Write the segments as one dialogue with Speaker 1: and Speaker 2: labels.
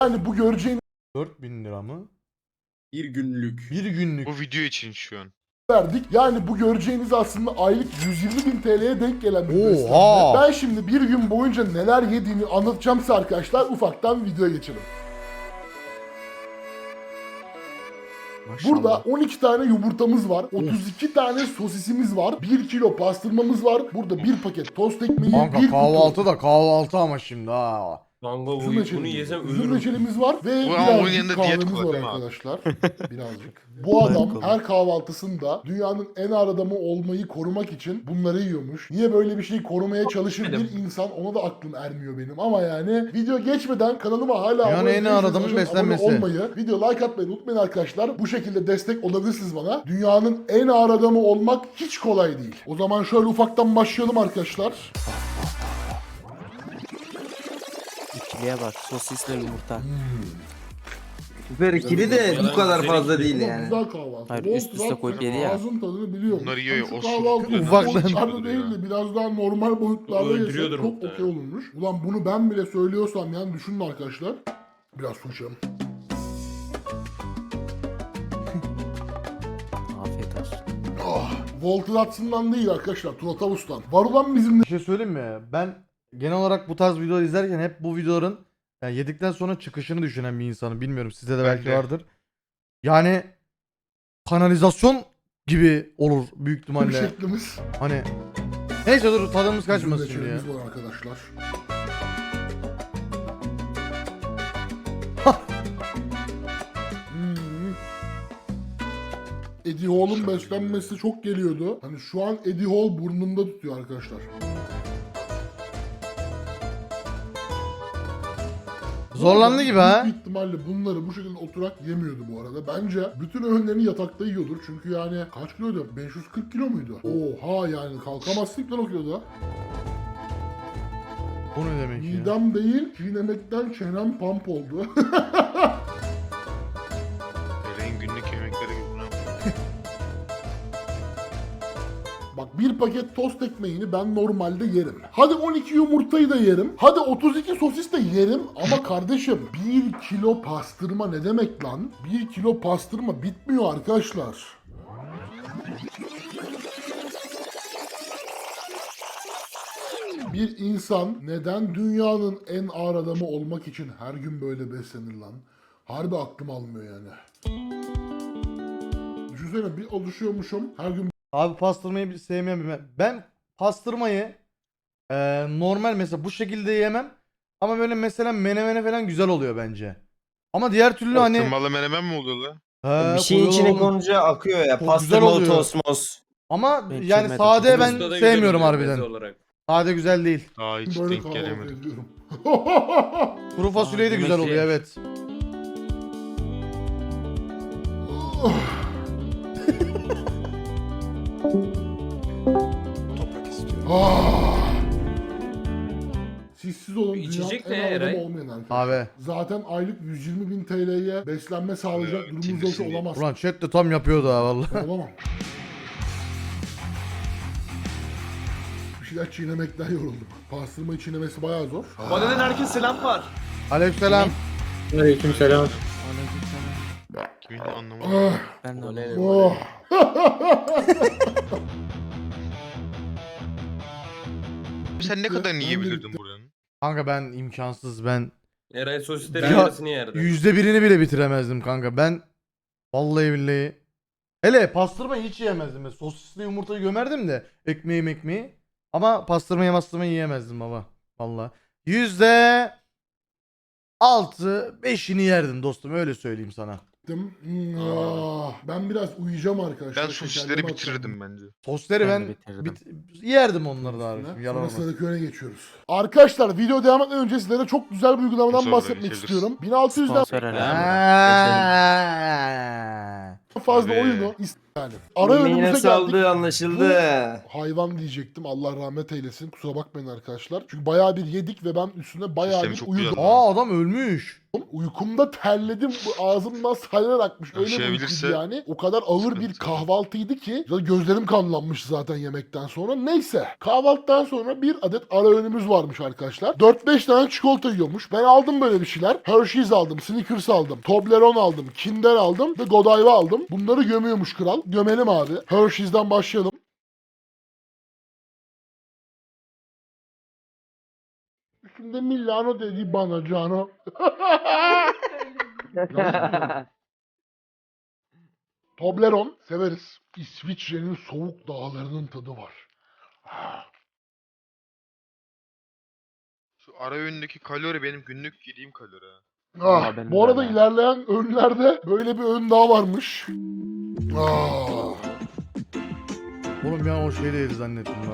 Speaker 1: Yani bu göreceğiniz
Speaker 2: 4000 lira mı?
Speaker 3: Bir günlük.
Speaker 2: Bir günlük.
Speaker 4: Bu video için şu an.
Speaker 1: verdik. Yani bu göreceğiniz aslında aylık 120.000 TL'ye denk gelen bir
Speaker 2: Oha!
Speaker 1: beslenme. Ben şimdi bir gün boyunca neler yediğimi anlatacağım size arkadaşlar. Ufaktan videoya geçelim. Burada 12 tane yumurtamız var. 32 tane sosisimiz var. 1 kilo pastırmamız var. Burada bir paket tost ekmeği,
Speaker 2: Kanka
Speaker 1: bir
Speaker 2: kahvaltı da kahvaltı ama şimdi ha.
Speaker 3: Kanka
Speaker 1: üzüm
Speaker 3: bunu yesem
Speaker 1: üzüm
Speaker 3: ölürüm.
Speaker 1: reçelimiz var ve
Speaker 4: Bu ama onun
Speaker 1: birazcık
Speaker 4: yanında diyet
Speaker 1: kahvemiz
Speaker 4: kola
Speaker 1: var
Speaker 4: değil mi abi?
Speaker 1: arkadaşlar. Birazcık. Bu adam her kahvaltısında dünyanın en ağır adamı olmayı korumak için bunları yiyormuş. Niye böyle bir şeyi korumaya çalışır bir insan, ona da aklım ermiyor benim. Ama yani video geçmeden kanalıma hala
Speaker 2: Dünyanın en ağır
Speaker 1: değilseniz
Speaker 2: adamın
Speaker 1: abone
Speaker 2: beslenmesi.
Speaker 1: olmayı, video like atmayı unutmayın arkadaşlar. Bu şekilde destek olabilirsiniz bana. Dünyanın en ağır adamı olmak hiç kolay değil. O zaman şöyle ufaktan başlayalım arkadaşlar.
Speaker 5: İkiliye bak, sosisle yumurta.
Speaker 6: Süper ikili de bu kadar fazla değil
Speaker 1: Ama
Speaker 6: yani.
Speaker 1: güzel kahvaltı.
Speaker 5: Hayır,
Speaker 1: Bol
Speaker 5: üst üste
Speaker 1: tat
Speaker 5: koyup
Speaker 1: ve
Speaker 5: yedi ya.
Speaker 1: Ağzın tadını biliyorum.
Speaker 4: Bunları yiyor ya,
Speaker 1: Şu
Speaker 4: o
Speaker 1: kahvaltı
Speaker 4: sulu-
Speaker 2: Ufaktan.
Speaker 1: boyutlarda değil de biraz daha normal boyutlarda yesek
Speaker 3: Öldürüyordur
Speaker 1: çok
Speaker 3: muhtemelen.
Speaker 1: okey olurmuş. Ulan bunu ben bile söylüyorsam yani düşünün arkadaşlar. Biraz su içelim.
Speaker 5: Afiyet olsun.
Speaker 1: Walter Hudson'dan değil arkadaşlar. Turatavus'tan. Var olan bizim
Speaker 2: Bir şey söyleyeyim mi? Ben genel olarak bu tarz videoları izlerken hep bu videoların yani yedikten sonra çıkışını düşünen bir insanım. Bilmiyorum, sizde de belki
Speaker 4: de.
Speaker 2: vardır. Yani kanalizasyon gibi olur büyük
Speaker 1: bir
Speaker 2: ihtimalle.
Speaker 1: şeklimiz.
Speaker 2: Hani neyse dur, tadımız
Speaker 1: Bizim
Speaker 2: kaçmasın şimdi ya.
Speaker 1: reçelimiz var arkadaşlar. Hmm. Eddie Hall'un beslenmesi çok geliyordu. Hani şu an Eddie Hall burnunda tutuyor arkadaşlar.
Speaker 2: Zorlandı gibi ha.
Speaker 1: Büyük ihtimalle bunları bu şekilde oturak yemiyordu bu arada. Bence bütün öğünlerini yatakta yiyordur. Çünkü yani kaç kiloydu? 540 kilo muydu? Oha, yani kalkamazsın ki lan o kiloda.
Speaker 2: Bu ne demek ya?
Speaker 1: Midem değil, çiğnemekten çenem pump oldu.
Speaker 4: Eren günlük yemekleri gibi bunu yapıyor.
Speaker 1: Bak, bir paket tost ekmeğini ben normalde yerim. Hadi 12 yumurtayı da yerim. Hadi 32 sosis de yerim. Ama kardeşim 1 kilo pastırma ne demek lan? 1 kilo pastırma bitmiyor arkadaşlar. Bir insan neden dünyanın en ağır adamı olmak için her gün böyle beslenir lan? Harbi aklım almıyor yani. Düşünsene, bir alışıyormuşum her gün
Speaker 2: Abi pastırmayı bir sevmiyorum ben. Ben pastırmayı normal mesela bu şekilde yemem. Ama böyle mesela menemene falan güzel oluyor bence. Ama diğer türlü hani
Speaker 4: Tırmalı menemen mi oluyor lan?
Speaker 2: he,
Speaker 6: Bir şeyin
Speaker 2: koyuyorlar
Speaker 6: içine
Speaker 2: onu.
Speaker 6: konunca akıyor ya.
Speaker 2: Çok güzel
Speaker 6: Pastırmalı
Speaker 2: oluyor.
Speaker 6: tosmos.
Speaker 2: Ama
Speaker 5: Ben
Speaker 2: yani
Speaker 5: sevmedim.
Speaker 2: sade ben
Speaker 3: Usta da güzel
Speaker 2: sevmiyorum
Speaker 3: oluyor
Speaker 2: harbiden.
Speaker 3: meze olarak.
Speaker 2: Sade güzel değil.
Speaker 4: Daha hiç
Speaker 1: böyle
Speaker 4: denk
Speaker 1: kahvaltı
Speaker 4: gelemedim.
Speaker 1: ediyorum.
Speaker 2: Kuru fasulye de güzel
Speaker 5: yemekli.
Speaker 2: oluyor, evet.
Speaker 1: Ah! Siz olun, dünyanın
Speaker 3: İçecek ne
Speaker 1: en ağır adamı
Speaker 3: Eray?
Speaker 1: olmayan arkadaşlar.
Speaker 2: Abi.
Speaker 1: Zaten aylık 120.000 TL'ye beslenme sağlayacak durumunuz
Speaker 4: içinde
Speaker 1: yoksa
Speaker 4: şimdi-
Speaker 1: olamaz.
Speaker 2: Ulan chat de tam yapıyordu ha vallahi.
Speaker 1: Olamam. Bir şeyler çiğnemekten yoruldum. Pastırmayı çiğnemesi bayağı zor.
Speaker 3: Bana herkes selam var.
Speaker 2: Aleykümselam.
Speaker 6: Aleykümselam.
Speaker 4: Kimin anlamadım.
Speaker 1: Ah,
Speaker 5: Ben de
Speaker 3: O ne?
Speaker 5: öyle.
Speaker 1: oh.
Speaker 4: Sen ne kadar
Speaker 1: Ben de
Speaker 4: yiyebilirdin
Speaker 1: bitti.
Speaker 4: buranın?
Speaker 2: Kanka ben imkansız, ben
Speaker 3: Eray sosislerin
Speaker 2: Ya-
Speaker 3: yarısını yerdi.
Speaker 2: %1'ini bile bitiremezdim kanka. Ben vallahi billahi. Hele pastırmayı hiç yiyemezdim. Ben sosisli yumurtayı gömerdim de ekmeği. Ama pastırmayı yiyemezdim baba. Vallahi. %6-5'ini yerdim dostum, öyle söyleyeyim sana.
Speaker 1: Ben biraz uyuyacağım arkadaşlar.
Speaker 4: Ben sosisleri bitirirdim bence.
Speaker 2: Sosları
Speaker 5: Ben
Speaker 2: ben,
Speaker 5: de bitirdim.
Speaker 2: yerdim onları da abi. Yalan olmaz.
Speaker 1: Sonrasındaki öne geçiyoruz. Arkadaşlar, video devam etmeden önce sizlere çok güzel bir uygulamadan
Speaker 4: Sonra
Speaker 1: bahsetmek
Speaker 4: geçebiliriz.
Speaker 1: istiyorum. 1600'den
Speaker 5: Sponsor herhalde.
Speaker 1: fazla
Speaker 4: Abi.
Speaker 1: oyunu yani. Ara
Speaker 6: Yine
Speaker 1: önümüze
Speaker 6: saldı
Speaker 1: geldik.
Speaker 6: anlaşıldı.
Speaker 1: Hayvan diyecektim, Allah rahmet eylesin, kusura bakmayın arkadaşlar. Çünkü bayağı bir yedik ve ben üstüne bayağı
Speaker 4: Sistemi
Speaker 1: bir
Speaker 4: çok
Speaker 1: uyudum.
Speaker 4: güzel.
Speaker 2: Aa, adam ölmüş.
Speaker 1: Uykumda terledim. Ağzımdan salyalar akmış. Öyle bir uykuydu
Speaker 4: Aşabilirse
Speaker 1: yani. O kadar ağır bir
Speaker 4: sıkıntı.
Speaker 1: kahvaltıydı ki gözlerim kanlanmış zaten yemekten sonra. Neyse. Kahvaltıdan sonra bir adet ara öğünümüz varmış arkadaşlar. 4-5 tane çikolata yiyormuş. Ben aldım böyle bir şeyler. Hershey's aldım, Snickers aldım, Toblerone aldım, Kinder aldım ve Godiva aldım. Bunları gömüyormuş kral. Gömelim abi. Hershey's'den başlayalım. Üstünde Milano dedi bana Cano. Toblerone severiz. İsviçre'nin soğuk dağlarının tadı var.
Speaker 4: Şu ara öğündeki kalori benim günlük yediğim kalori. ha.
Speaker 5: Vallahi benim
Speaker 1: Bu
Speaker 5: de
Speaker 1: arada
Speaker 5: öyle.
Speaker 1: ilerleyen öğünlerde böyle bir öğün daha varmış.
Speaker 2: Oğlum bir an o şey değil zannettim lan.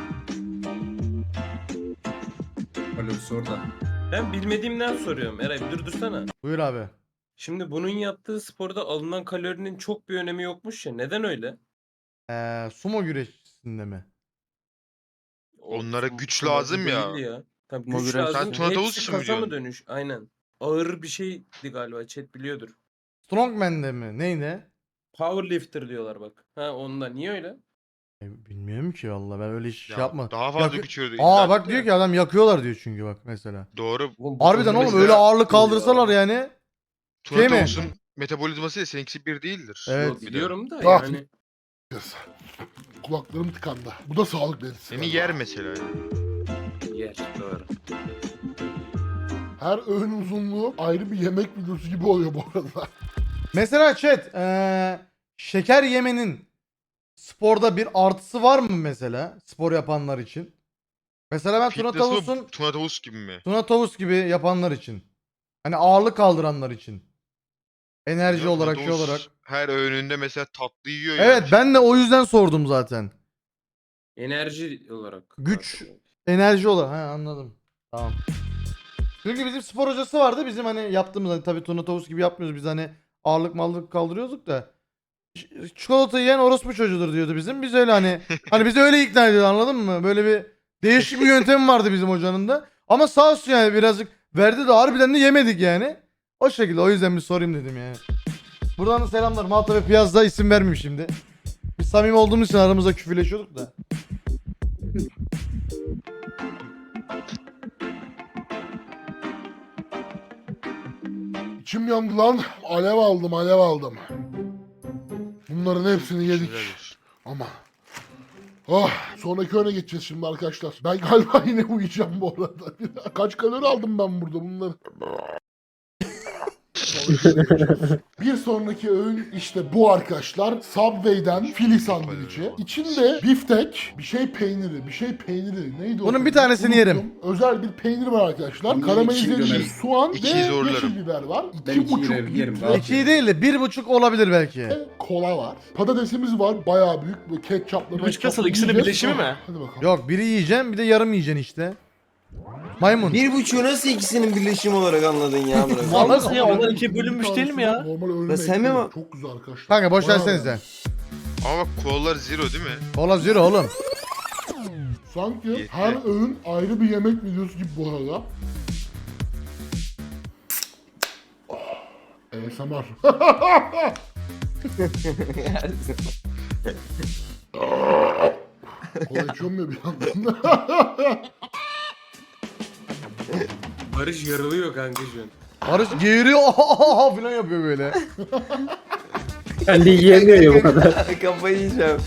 Speaker 7: Kalorisi orada.
Speaker 3: Ben bilmediğimden soruyorum. Eray bir durdursana.
Speaker 2: Buyur abi.
Speaker 3: Şimdi bunun yaptığı sporda alınan kalorinin çok bir önemi yokmuş ya. Neden öyle?
Speaker 2: Sumo güreşçisinde mi?
Speaker 4: Onlara
Speaker 3: Sumo-
Speaker 4: güç
Speaker 3: sumo
Speaker 4: lazım ya.
Speaker 3: değil Tabii
Speaker 5: Sumo
Speaker 3: güç
Speaker 5: güreş-
Speaker 3: lazım.
Speaker 4: Sen Tuna Tavus
Speaker 3: Hepsi
Speaker 4: için mi
Speaker 3: kasa mı
Speaker 4: diyorsun?
Speaker 3: dönüş? Aynen. Ağır bir şeydi galiba. Chat biliyordur.
Speaker 2: Strongman'de mi? Neydi?
Speaker 3: Powerlifter diyorlar bak. Ha onda. Niye öyle?
Speaker 2: Bilmiyorum ki valla ben öyle hiç
Speaker 4: Ya,
Speaker 2: şey yapmadım.
Speaker 4: daha fazla
Speaker 2: Yakı-
Speaker 4: güç veriyor.
Speaker 2: Aa
Speaker 4: İlla-
Speaker 2: bak diyor ki adam yakıyorlar diyor çünkü bak mesela.
Speaker 4: Doğru.
Speaker 2: Harbiden oğlum
Speaker 4: mesela-
Speaker 2: öyle ağırlık kaldırsalar yani.
Speaker 4: Tuna
Speaker 2: Şey mi?
Speaker 4: Tavus'un metabolizması ile seninkisi bir değildir.
Speaker 2: Evet.
Speaker 3: Yok, biliyorum da
Speaker 1: Ah.
Speaker 3: yani.
Speaker 1: Kulaklarım tıkandı. Bu da sağlık belirtisi.
Speaker 4: Seni
Speaker 1: galiba.
Speaker 4: yer mesela.
Speaker 3: Yer. Doğru.
Speaker 1: Her öğün uzunluğu ayrı bir yemek videosu gibi oluyor bu arada.
Speaker 2: Mesela chat şeker yemenin sporda bir artısı var mı mesela spor yapanlar için? Mesela ben Tuna
Speaker 4: Fitness
Speaker 2: Tavus'un
Speaker 4: mı? Tuna Tavus gibi mi?
Speaker 2: Tuna Tavus gibi yapanlar için. Hani ağırlık kaldıranlar için. Enerji
Speaker 4: Ya,
Speaker 2: olarak
Speaker 4: Tuna
Speaker 2: şey
Speaker 4: Tavus
Speaker 2: olarak.
Speaker 4: her öğününde mesela tatlı yiyor
Speaker 2: Evet
Speaker 4: yani.
Speaker 2: ben de o yüzden sordum zaten.
Speaker 3: Enerji olarak.
Speaker 2: Güç. Enerji olarak. Ha anladım. Tamam. Çünkü bizim spor hocası vardı. Bizim hani yaptığımız hani tabii Tuna Tavus gibi yapmıyoruz. Biz hani ağırlık kaldırıyorduk da. Çikolata yiyen orospu çocuğudur diyordu bizim. Biz öyle hani bizi öyle ikna ediyordu anladın mı? Böyle bir değişik bir yöntemi vardı bizim hocanın da. Ama sağ olsun yani birazcık verdi de harbiden de yemedik yani. O şekilde o yüzden bir sorayım dedim yani. Buradan da selamlar. Malta ve Piyaz'da isim vermeyeyim şimdi. Biz samimi olduğumuz için aramızda küfürleşiyorduk da.
Speaker 1: İçim yandı lan. Alev aldım. Bunların hepsini yedik.
Speaker 4: Helal olsun.
Speaker 1: Ama. Oh, sonraki öne geçeceğiz şimdi arkadaşlar. Ben galiba yine uyuyacağım bu arada. Kaç kalori aldım ben burada bunları? Bir sonraki öğün işte bu arkadaşlar. Subway'den Philly sandviçi. İçinde biftek, bir şey peyniri. Neydi o?
Speaker 2: Bunun bir
Speaker 1: peynir?
Speaker 2: tanesini
Speaker 1: Unuttum.
Speaker 2: yerim.
Speaker 1: Özel bir peynir var arkadaşlar.
Speaker 7: Bunu
Speaker 1: Karamelize
Speaker 7: iki
Speaker 1: edilmiş
Speaker 7: gömerim.
Speaker 1: soğan ve
Speaker 4: İkiyi zorlarım.
Speaker 1: yeşil biber var.
Speaker 7: Ben
Speaker 1: 2,5
Speaker 7: ikiyi yerim,
Speaker 1: litre
Speaker 7: rahat.
Speaker 2: 2 değil de 1,5 olabilir belki.
Speaker 1: kola var. Patatesimiz var. Bayağı büyük. Ve ketçapla.
Speaker 3: Başkası
Speaker 1: ketçapla
Speaker 3: ikisinin
Speaker 1: yiyeceğiz.
Speaker 3: birleşimi mi?
Speaker 1: Hadi bakalım.
Speaker 2: Yok biri yiyeceksin bir de yarım yiyeceksin işte. Maymun.
Speaker 6: 1,5'u nasıl ikisinin birleşimi olarak anladın ya bırak.
Speaker 2: Vallahi-
Speaker 3: Nasıl ya? Onlar ikiye bölünmüş değil mi ya?
Speaker 1: Normal öğünüme
Speaker 6: Ya sen mi
Speaker 1: ekledim.
Speaker 6: mi-
Speaker 1: Çok güzel arkadaşlar.
Speaker 2: Kanka boş
Speaker 1: Bayağı
Speaker 2: versenize.
Speaker 4: Ama bak kolalar zero değil mi?
Speaker 2: Kola zero oğlum.
Speaker 1: Sanki
Speaker 4: Yetti.
Speaker 1: her öğün ayrı bir yemek videosu gibi bu arada. ASMR. Kola içiyorum ya bir yandan.
Speaker 3: Barış yarılıyor kanka şu an.
Speaker 2: Barış geğiriyor falan yapıyor böyle.
Speaker 8: Kendi yiyemiyor ya bu kadar.
Speaker 6: Kafayı yiyeceğim.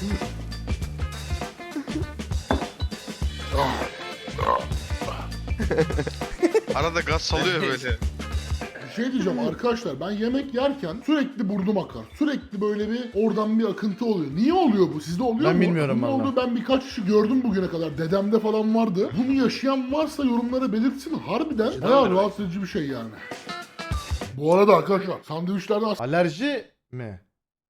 Speaker 4: Arada gaz salıyor böyle.
Speaker 1: Bir şey diyeceğim arkadaşlar, ben yemek yerken sürekli burnum akar. Sürekli böyle bir oradan bir akıntı oluyor. Niye oluyor bu? Sizde oluyor
Speaker 2: Ben
Speaker 1: mu?
Speaker 2: bilmiyorum
Speaker 1: Ne
Speaker 2: vallahi.
Speaker 1: oldu? Ben birkaç kişi gördüm bugüne kadar. Dedemde falan vardı. Bunu yaşayan varsa yorumlara belirtsin. Harbiden bayağı rahatsız edici bir şey yani. Bu arada arkadaşlar sandviçlerde
Speaker 2: Alerji mi?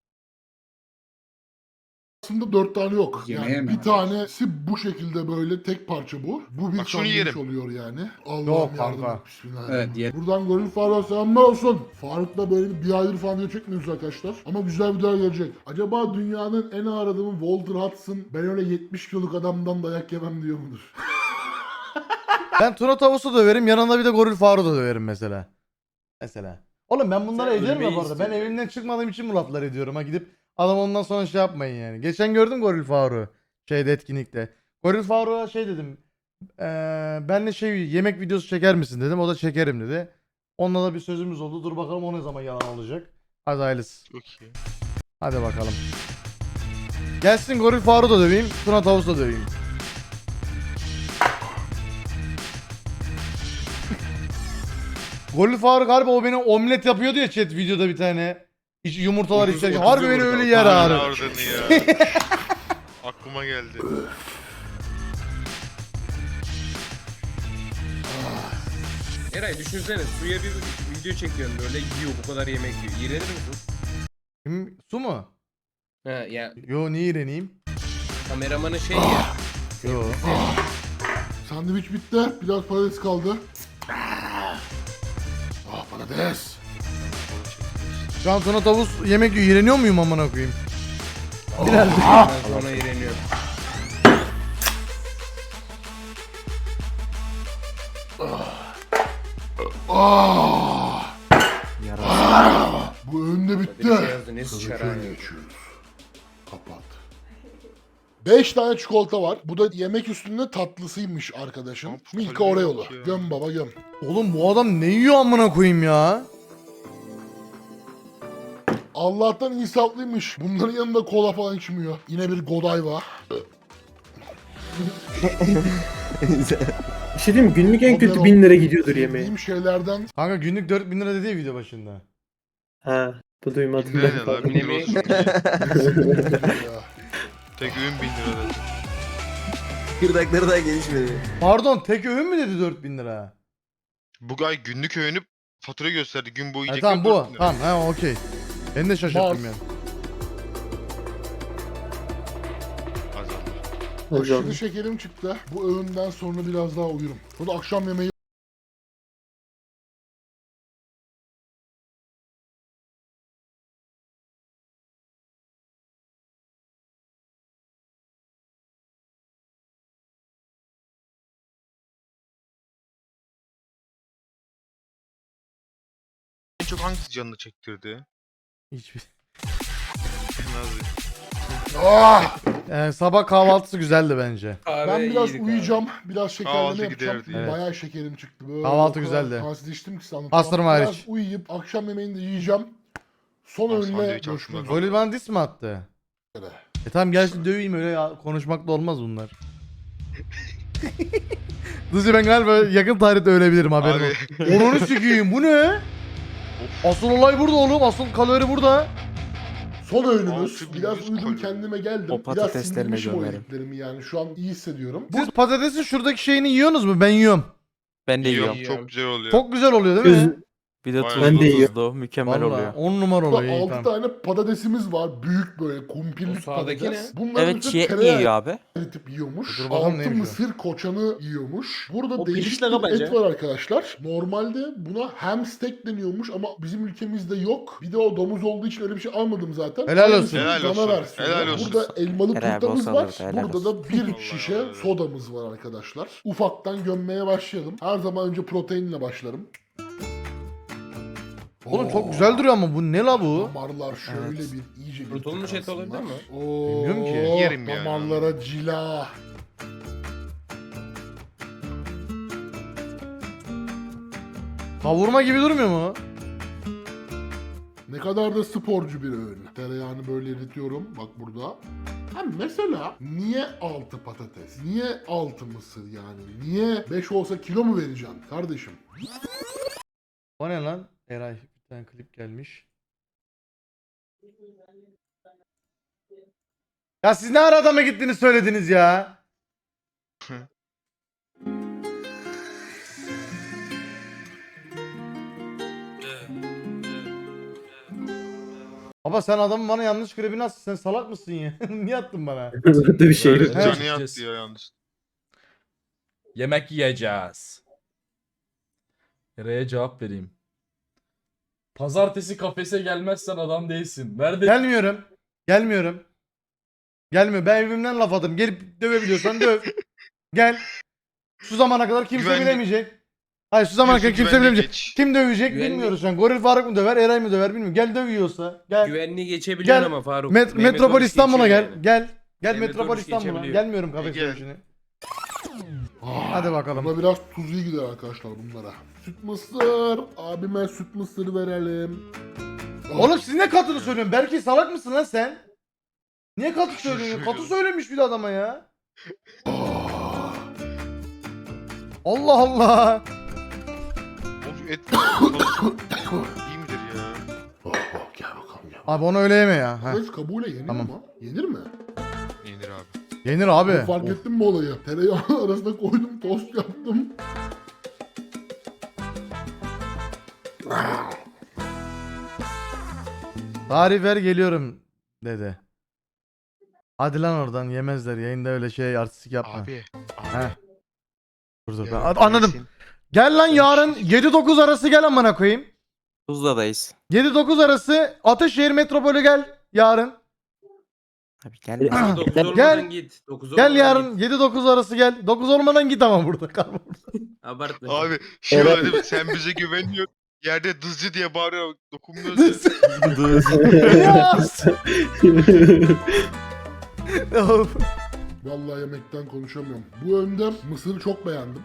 Speaker 1: aslında 4 tane yok.
Speaker 7: Yemeğe
Speaker 1: Yani
Speaker 7: mi?
Speaker 1: bir tanesi bu şekilde böyle tek parça bu. Bu bir
Speaker 4: Bak şunu
Speaker 1: sandviç
Speaker 4: yerim.
Speaker 1: oluyor yani. Allah'ım
Speaker 2: Yok
Speaker 1: yardım
Speaker 2: kanka.
Speaker 1: et. Bismillahirrahmanirrahim.
Speaker 7: Evet, yerim.
Speaker 1: Buradan Goril Faruk'a selamlar olsun. Faruk'la böyle bir aydır falan video çekmiyoruz arkadaşlar. Ama güzel videolar gelecek. Acaba dünyanın en ağır adamı Walter Hudson ben öyle 70 kiloluk adamdan dayak yemem diyor mudur?
Speaker 2: Ben Tuna Tavus'u döverim yanına bir de Goril Faruk'u da döverim mesela. Mesela. Oğlum ben bunları
Speaker 3: Sen
Speaker 2: ediyorum ya
Speaker 3: ölmeyi
Speaker 2: bu arada. Ben
Speaker 3: istiyorsun.
Speaker 2: evimden çıkmadığım için bu lafları ediyorum ha. Gidip adam ondan sonra şey yapmayın yani. Geçen gördüm Goril Faruk'u. Şeyde etkinlikte. Goril Faruk'a şey dedim. Benle şey yemek videosu çeker misin dedim. O da çekerim dedi. Onunla da bir sözümüz oldu. Dur bakalım o ne zaman yalan olacak. Hadi hayırlısı.
Speaker 4: Çok iyi.
Speaker 2: Hadi bakalım. Gelsin Goril Faruk'u da döveyim. Tuna Tavus da döveyim. Goril Faruk harbi o beni omlet yapıyordu ya chat videoda bir tane. Hiç yumurtalar
Speaker 4: Ucuz-
Speaker 2: içerken.
Speaker 4: ucuz
Speaker 2: Harbi beni
Speaker 4: yumurta.
Speaker 2: öyle yer
Speaker 4: Aynen
Speaker 2: ağrı.
Speaker 4: ardını ya. Aklıma geldi.
Speaker 3: Eray düşünsene suya bir video çekiyorsun böyle yiyor bu kadar yemek yiyor. İğrenir misin?
Speaker 2: Kim? Su mu?
Speaker 3: Ha ya
Speaker 2: Yo niye iğreneyim?
Speaker 3: kameramanın şey ya.
Speaker 2: Yo.
Speaker 1: Sandviç bitti. Biraz patates kaldı. Ah patates.
Speaker 2: Şu an Tuna Tavus yemek yiyor. İğreniyor muyum amına koyayım? Biraz.
Speaker 3: Ben sonra iğreniyorum.
Speaker 1: Ah.
Speaker 5: Yarası.
Speaker 1: Bu önde bitti.
Speaker 3: Bir şey yazdı ne
Speaker 1: Sıradaki
Speaker 3: sıçar
Speaker 1: öne
Speaker 3: ha.
Speaker 1: geçiyoruz. Kapat. 5 tane çikolata var. Bu da yemek üstünde tatlısıymış arkadaşım.
Speaker 4: Hop,
Speaker 1: Milka
Speaker 4: kalori
Speaker 1: Oreo'lu.
Speaker 4: yok ya.
Speaker 1: Göm baba göm.
Speaker 2: Oğlum bu adam ne yiyor amına koyayım ya?
Speaker 1: Allah'tan insaflıymış. Bunların yanında kola falan içmiyor. Yine bir Godiva.
Speaker 8: Bir şey diyeyim mi? Günlük en kötü
Speaker 1: Modern
Speaker 8: 1000 lira gidiyordur yemeğe.
Speaker 1: Yediğim şeylerden
Speaker 2: Kanka günlük 4000 lira dedi ya video başında.
Speaker 8: Ha, bu duymadım
Speaker 4: Ne
Speaker 8: ben.
Speaker 4: lan? 1000 lira olsun.
Speaker 1: ya.
Speaker 4: Tek öğün 1000 lira dedi.
Speaker 6: Kırdakları daha gelişmedi.
Speaker 2: Pardon tek öğün mü dedi 4000 lira?
Speaker 4: Bu ay günlük öğünü fatura gösterdi. Gün boyu
Speaker 2: Ha,
Speaker 4: yiyecek.
Speaker 2: tamam bu. Tamam ha okey. Ben de şaşırttım
Speaker 1: Mars.
Speaker 2: yani.
Speaker 4: Azaldı.
Speaker 8: Hocam.
Speaker 1: Aşırı şekerim çıktı. Bu öğünden sonra biraz daha uyurum. Sonra akşam yemeği
Speaker 4: En çok hangisi canını çektirdi?
Speaker 2: Hiçbir.
Speaker 4: Nazlı.
Speaker 1: Ah!
Speaker 2: Sabah kahvaltısı güzeldi bence.
Speaker 3: Kahve
Speaker 1: Ben biraz
Speaker 3: iyiydi
Speaker 1: uyuyacağım. Biraz şekerleme
Speaker 4: Kahvaltı
Speaker 1: yapacağım.
Speaker 4: giderdi.
Speaker 2: Evet.
Speaker 1: Bayağı şekerim çıktı. Böyle
Speaker 2: Kahvaltı
Speaker 1: o kadar
Speaker 2: güzeldi.
Speaker 1: Tansız içtim ki sana anlatamam.
Speaker 2: Pastırma
Speaker 1: Biraz
Speaker 2: hariç.
Speaker 1: uyuyup akşam yemeğini de yiyeceğim. Son
Speaker 4: Aa,
Speaker 1: öğünle
Speaker 4: sandviç
Speaker 1: görüşmek
Speaker 4: aslında.
Speaker 1: üzere.
Speaker 2: Golü bana dis mi attı? Tamam gelsin döveyim öyle konuşmakla olmaz bunlar. Dızcı ben galiba yakın tarihte ölebilirim haberin
Speaker 4: Abi.
Speaker 2: olsun. Onunu sikiyim bu ne? Asıl olay burada oğlum. Asıl kalori burada.
Speaker 1: Son öğünümüz.
Speaker 4: 6.100
Speaker 1: Biraz uyudum
Speaker 4: kalori.
Speaker 1: kendime geldim.
Speaker 5: O
Speaker 1: Biraz
Speaker 5: patateslerine
Speaker 1: sindirmişim o
Speaker 5: gömerim.
Speaker 1: yediklerimi yani. Şu an iyi hissediyorum.
Speaker 2: Siz patatesin şuradaki şeyini yiyorsunuz mu? Ben yiyorum.
Speaker 5: Ben de
Speaker 4: Yiyorum.
Speaker 5: yiyorum.
Speaker 4: Çok güzel oluyor.
Speaker 2: Çok güzel oluyor değil mi?
Speaker 8: Öz-
Speaker 5: Bir de
Speaker 4: Vay
Speaker 5: tuzlu
Speaker 8: Ben de yiyorum.
Speaker 5: tuzlu mükemmel
Speaker 2: Vallahi
Speaker 5: oluyor.
Speaker 2: 10 numara
Speaker 1: Burada
Speaker 2: oluyor. iyi,
Speaker 1: 6
Speaker 2: tamam.
Speaker 1: tane patatesimiz var. Büyük böyle kumpirlik
Speaker 3: O sağdaki
Speaker 1: patates.
Speaker 3: ne?
Speaker 1: Bunların
Speaker 5: Evet
Speaker 1: üstüne
Speaker 5: çiğ
Speaker 1: tereyağı
Speaker 5: yiyor abi.
Speaker 1: eritip yiyormuş.
Speaker 2: Dur bakalım
Speaker 1: 6
Speaker 2: neymiş o.
Speaker 1: mısır koçanı yiyormuş. Burada
Speaker 8: O
Speaker 1: değişik
Speaker 8: pirinçle
Speaker 1: bir
Speaker 8: kabaca.
Speaker 1: et var arkadaşlar. Normalde buna ham steak deniyormuş ama bizim ülkemizde yok. Bir de o domuz olduğu için öyle bir şey almadım zaten.
Speaker 2: Helal olsun.
Speaker 1: Aynısının
Speaker 4: Helal
Speaker 1: dana
Speaker 4: olsun.
Speaker 1: versiyonu.
Speaker 4: Helal olsun.
Speaker 1: Burada elmalı
Speaker 5: Helal
Speaker 1: turtamız
Speaker 5: olsun
Speaker 1: var.
Speaker 5: alırdı, helal
Speaker 1: Burada da bir
Speaker 4: Allah
Speaker 1: şişe
Speaker 4: Allah.
Speaker 1: sodamız var arkadaşlar. Ufaktan gömmeye başlayalım. Her zaman önce proteinle başlarım.
Speaker 2: Oğlum
Speaker 1: Oo.
Speaker 2: çok güzel duruyor ama bu ne la bu?
Speaker 1: Damarlar şöyle
Speaker 5: Evet.
Speaker 1: bir iyice bir
Speaker 3: Kurutulmuş et
Speaker 1: tıkansınlar.
Speaker 3: olabilir mi?
Speaker 1: Oo,
Speaker 2: Bilmiyorum ki.
Speaker 4: Yerim yani.
Speaker 1: damarlara cila.
Speaker 2: Kavurma gibi durmuyor mu?
Speaker 1: Ne kadar da sporcu bir öğün. Tereyağını böyle eritiyorum. Bak burada. Hem mesela niye 6 patates? Niye 6 mısır yani? Niye 5 olsa kilo mu vereceğim kardeşim?
Speaker 2: O ne lan? Eray bir tane klip gelmiş. Ya siz ne ara adama gittiniz söylediniz ya? Baba sen adamın bana yanlış klibini attın. Sen salak mısın ya? Niye attın bana?
Speaker 8: Burada bir şey
Speaker 4: Böyle
Speaker 8: yok.
Speaker 2: Evet.
Speaker 4: canı yattı ya yalnız.
Speaker 9: Yemek yiyeceğiz. Nereye cevap vereyim? Pazartesi kafese gelmezsen adam değilsin. Nerede?
Speaker 2: Gelmiyorum. Gelmiyorum. Gelmiyor. Ben evimden laf adım. Gelip dövebiliyorsan döv. Gel. Şu zamana kadar kimse
Speaker 4: Güvenli-
Speaker 2: bilemeyecek. Hayır şu zamana kadar
Speaker 4: Diyorsun,
Speaker 2: kimse
Speaker 4: güvenliği
Speaker 2: bilemeyecek.
Speaker 4: geç.
Speaker 2: Kim dövecek
Speaker 3: Güvenlik-
Speaker 2: bilmiyoruz şu an. Goril Faruk mu döver, Eray mı döver bilmiyorum. Gel dövüyorsa. Gel.
Speaker 3: Güvenliği geçebiliyorsun
Speaker 2: Gel.
Speaker 3: ama Faruk.
Speaker 2: Metropol İstanbul'a gel.
Speaker 3: geçiyor yani.
Speaker 2: Gel. Gel
Speaker 3: Mehmet
Speaker 2: Metropol
Speaker 3: Oruç
Speaker 2: İstanbul'a.
Speaker 3: geçebiliyor.
Speaker 2: Gelmiyorum kafes
Speaker 4: Gel.
Speaker 2: dövüşüne. Hadi bakalım.
Speaker 1: Buna biraz tuzlu gider arkadaşlar bunlara. Süt mısır. Abime süt mısır verelim.
Speaker 2: Oğlum siz ne katını söylüyorsun? Belki salak mısın lan sen? Niye katı söylüyorsun? Katı söylemiş bir de adama ya. Allah Allah.
Speaker 4: Of et. İyi midir ya?
Speaker 1: Gel bakalım gel.
Speaker 2: Abi onu öyle yeme ya. Heh.
Speaker 1: Kafes kabuğuyla yenir
Speaker 2: Tamam.
Speaker 1: mi? Yenir mi?
Speaker 4: Yenir abi.
Speaker 2: Yenir abi.
Speaker 1: Fark
Speaker 2: Of.
Speaker 1: ettin mi olayı? Tereyağı arasında koydum, tost yaptım.
Speaker 2: Tarih ver geliyorum dedi. Hadi lan oradan yemezler. Yayında öyle şey artistik yapma.
Speaker 4: Abi.
Speaker 2: Heh. Dur dur.
Speaker 4: Ya,
Speaker 2: Anladım.
Speaker 4: nesin?
Speaker 2: Gel lan yarın 7-9 arası gel amına koyayım.
Speaker 5: Tuzla'dayız.
Speaker 2: 7-9 arası Ataşehir Metropolü gel yarın.
Speaker 5: Abi gelme.
Speaker 3: 9
Speaker 2: Gel.
Speaker 3: olmadan git. 9
Speaker 2: Gel
Speaker 3: olmadan
Speaker 2: yarın
Speaker 3: git.
Speaker 2: 7-9 arası gel. 9 olmadan git ama burada kalma burada.
Speaker 3: Abartma.
Speaker 4: Abi şey var değil mi? Sen bize güveniyorsun. Yerde dızcı diye bağırıyor. Dokunmuyoruz ya.
Speaker 2: Of.
Speaker 1: Vallahi yemekten konuşamıyorum. Bu önde mısırı çok beğendim.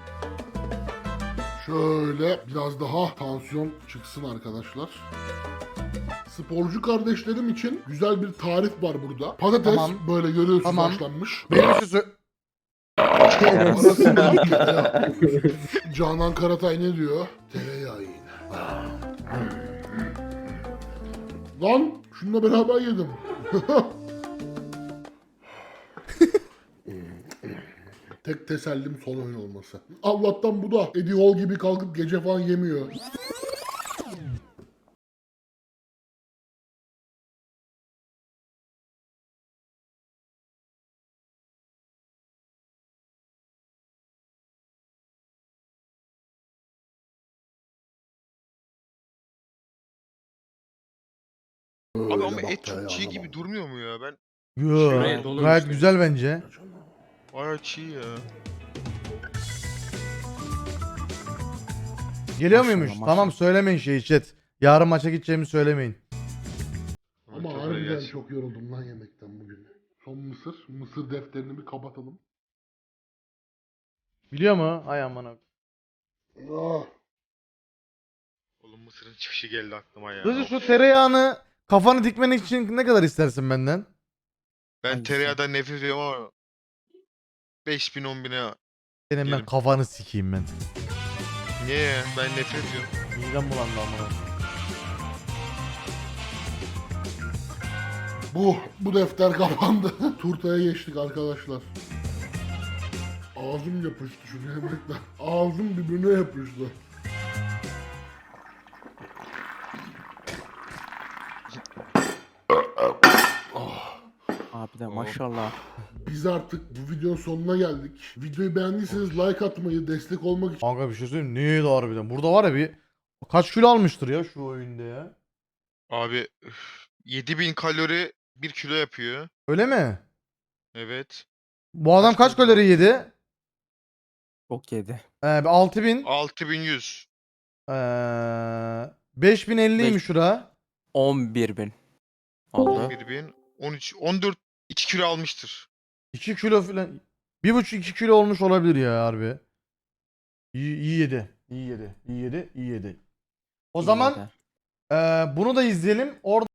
Speaker 1: Şöyle biraz daha tansiyon çıksın arkadaşlar. Sporcu kardeşlerim için güzel bir tarif var burada. Patates
Speaker 2: Tamam.
Speaker 1: böyle görüyorsunuz
Speaker 2: Tamam.
Speaker 1: haşlanmış.
Speaker 2: Benim şu
Speaker 1: Arasına tereyağı. Canan Karatay ne diyor? Tereyağı yiyin. Lan şununla beraber yedim. Tek tesellim son oyun olması. Allah'tan bu da Eddie Hall gibi kalkıp gece falan yemiyor.
Speaker 4: Abi ama
Speaker 1: Öyle bak
Speaker 4: et çok çiğ
Speaker 1: tereyağına
Speaker 4: gibi
Speaker 1: bak.
Speaker 4: durmuyor mu ya? Ben
Speaker 2: Yo,
Speaker 3: Gayet olur
Speaker 2: gayet
Speaker 3: işte.
Speaker 2: güzel bence.
Speaker 4: bayağı çiğ ya.
Speaker 2: Geliyor
Speaker 5: Maşallah,
Speaker 2: muymuş?
Speaker 5: maşallah.
Speaker 2: Tamam söylemeyin şeyi chat. Yarın maça gideceğimi söylemeyin.
Speaker 1: Ama
Speaker 4: Çok
Speaker 1: harbiden
Speaker 4: gelsin.
Speaker 1: çok yoruldum lan yemekten bugün. Son mısır. Mısır defterini bir kapatalım.
Speaker 2: Biliyor mu? Ay aman abi.
Speaker 1: Ah.
Speaker 4: Oğlum mısırın çıkışı geldi aklıma ya.
Speaker 2: Hızlı şu tereyağını kafanı dikmen için ne kadar istersin benden?
Speaker 4: Ben
Speaker 5: Hangisi?
Speaker 4: tereyağdan nefret ediyorum ama 5000 10.000'e
Speaker 2: Senin ben
Speaker 4: Yerim.
Speaker 2: kafanı sikeyim ben.
Speaker 4: niye ya? Ben nefret ediyorum.
Speaker 2: Midem bulandı amına.
Speaker 1: Bu defter kapandı. Turtaya geçtik arkadaşlar. Ağzım yapıştı şu yemekten. Ağzım birbirine yapıştı.
Speaker 5: Abi de maşallah.
Speaker 1: Biz artık bu videonun sonuna geldik. Videoyu beğendiyseniz like atmayı, destek olmak için
Speaker 2: Kanka bir şey söyleyeyim mi? Neydi harbiden? Burada var ya bir kaç kilo almıştır ya şu oyunda ya.
Speaker 4: Abi 7000 kalori 1 kilo yapıyor.
Speaker 2: Öyle mi?
Speaker 4: Evet.
Speaker 2: Bu adam kaç kalori yedi?
Speaker 5: Çok yedi.
Speaker 2: 6000.
Speaker 4: 6100.
Speaker 2: 5050'ymiş şura.
Speaker 5: 11.000 oldu.
Speaker 4: 1000 13 14 2 kilo almıştır.
Speaker 2: 2 kilo falan. 1,5-2 kilo olmuş olabilir ya harbi. İyi yedi. İyi yedi. İyi yedi. İyi yedi. O zaman
Speaker 5: İyi de.
Speaker 2: bunu da izleyelim. Orada